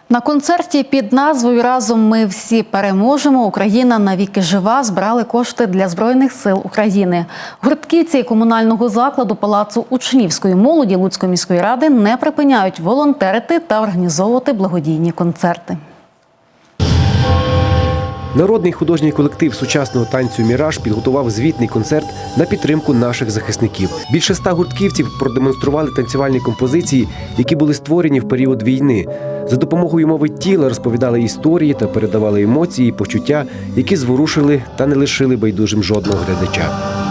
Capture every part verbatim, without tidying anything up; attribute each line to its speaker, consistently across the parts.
Speaker 1: На концерті під назвою «Разом ми всі переможемо. Україна навіки жива» збирали кошти для Збройних сил України. Гуртківці комунального закладу Палацу учнівської молоді Луцької міської ради не припиняють волонтерити та організовувати благодійні концерти.
Speaker 2: Народний художній колектив сучасного танцю «Міраж» підготував звітний концерт на підтримку наших захисників. Більше ста гуртківців продемонстрували танцювальні композиції, які були створені в період війни. За допомогою мови тіла розповідали історії та передавали емоції і почуття, які зворушили та не лишили байдужим жодного глядача.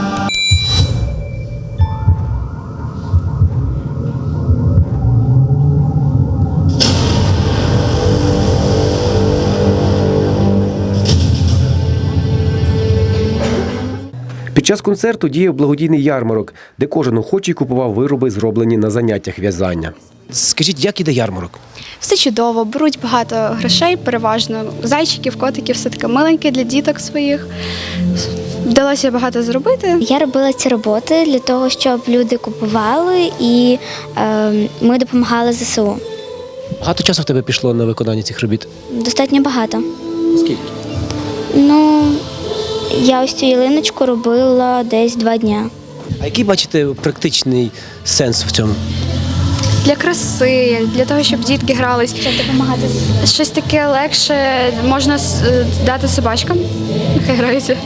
Speaker 2: Під час концерту діяв благодійний ярмарок, де кожен охочий купував вироби, зроблені на заняттях в'язання. Скажіть, як іде ярмарок?
Speaker 3: Все чудово, беруть багато грошей, переважно зайчиків, котиків, все таке миленьке для діток своїх. Вдалося багато зробити.
Speaker 4: Я робила ці роботи для того, щоб люди купували і е, ми допомагали зе се у.
Speaker 2: Багато часу в тебе пішло на виконання цих робіт?
Speaker 4: Достатньо багато.
Speaker 2: Скільки?
Speaker 4: Ну, я ось цю ялиночку робила десь два дня.
Speaker 2: А який бачите практичний сенс в цьому?
Speaker 3: Для краси, для того, щоб дітки грались.
Speaker 4: Щоб допомагати зе се у.
Speaker 3: Щось таке легше можна дати собачкам, нехай граються.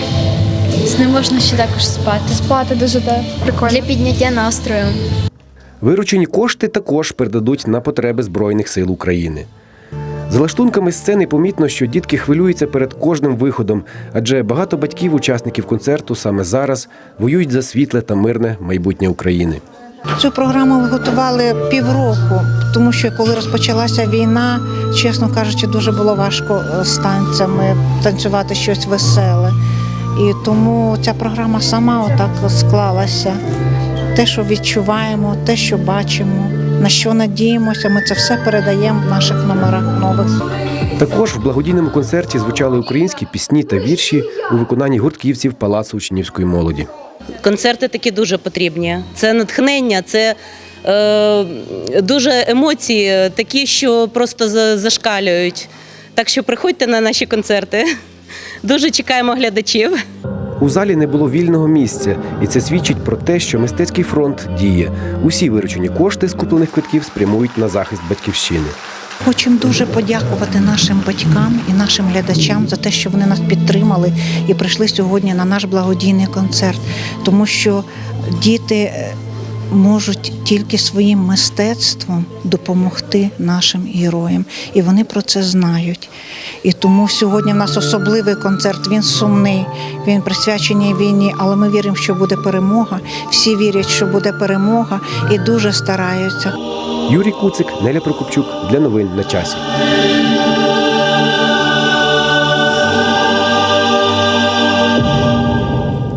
Speaker 5: З ним можна ще також спати.
Speaker 3: Спати дуже так, прикольно.
Speaker 5: Для підняття настрою.
Speaker 2: Виручені кошти також передадуть на потреби Збройних сил України. За лаштунками сцени помітно, що дітки хвилюються перед кожним виходом, адже багато батьків-учасників концерту саме зараз воюють за світле та мирне майбутнє України.
Speaker 6: Цю програму ми готували півроку, тому що коли розпочалася війна, чесно кажучи, дуже було важко з танцями танцювати щось веселе. І тому ця програма сама отак склалася. Те, що відчуваємо, те, що бачимо, на що надіємося, ми це все передаємо в наших номерах нових.
Speaker 2: Також в благодійному концерті звучали українські пісні та вірші у виконанні гуртківців Палацу учнівської молоді.
Speaker 7: Концерти такі дуже потрібні. Це натхнення, це е, дуже емоції, такі, що просто зашкалюють. Так що приходьте на наші концерти. Дуже чекаємо глядачів.
Speaker 2: У залі не було вільного місця, і це свідчить про те, що мистецький фронт діє. Усі виручені кошти з куплених квитків спрямують на захист батьківщини.
Speaker 6: Хочемо дуже подякувати нашим батькам і нашим глядачам за те, що вони нас підтримали і прийшли сьогодні на наш благодійний концерт. Тому що діти можуть тільки своїм мистецтвом допомогти нашим героям. І вони про це знають. І тому сьогодні в нас особливий концерт, він сумний, він присвячений війні, але ми віримо, що буде перемога. Всі вірять, що буде перемога і дуже стараються.
Speaker 2: Юрій Куцик, Неля Прокопчук. Для новин на часі.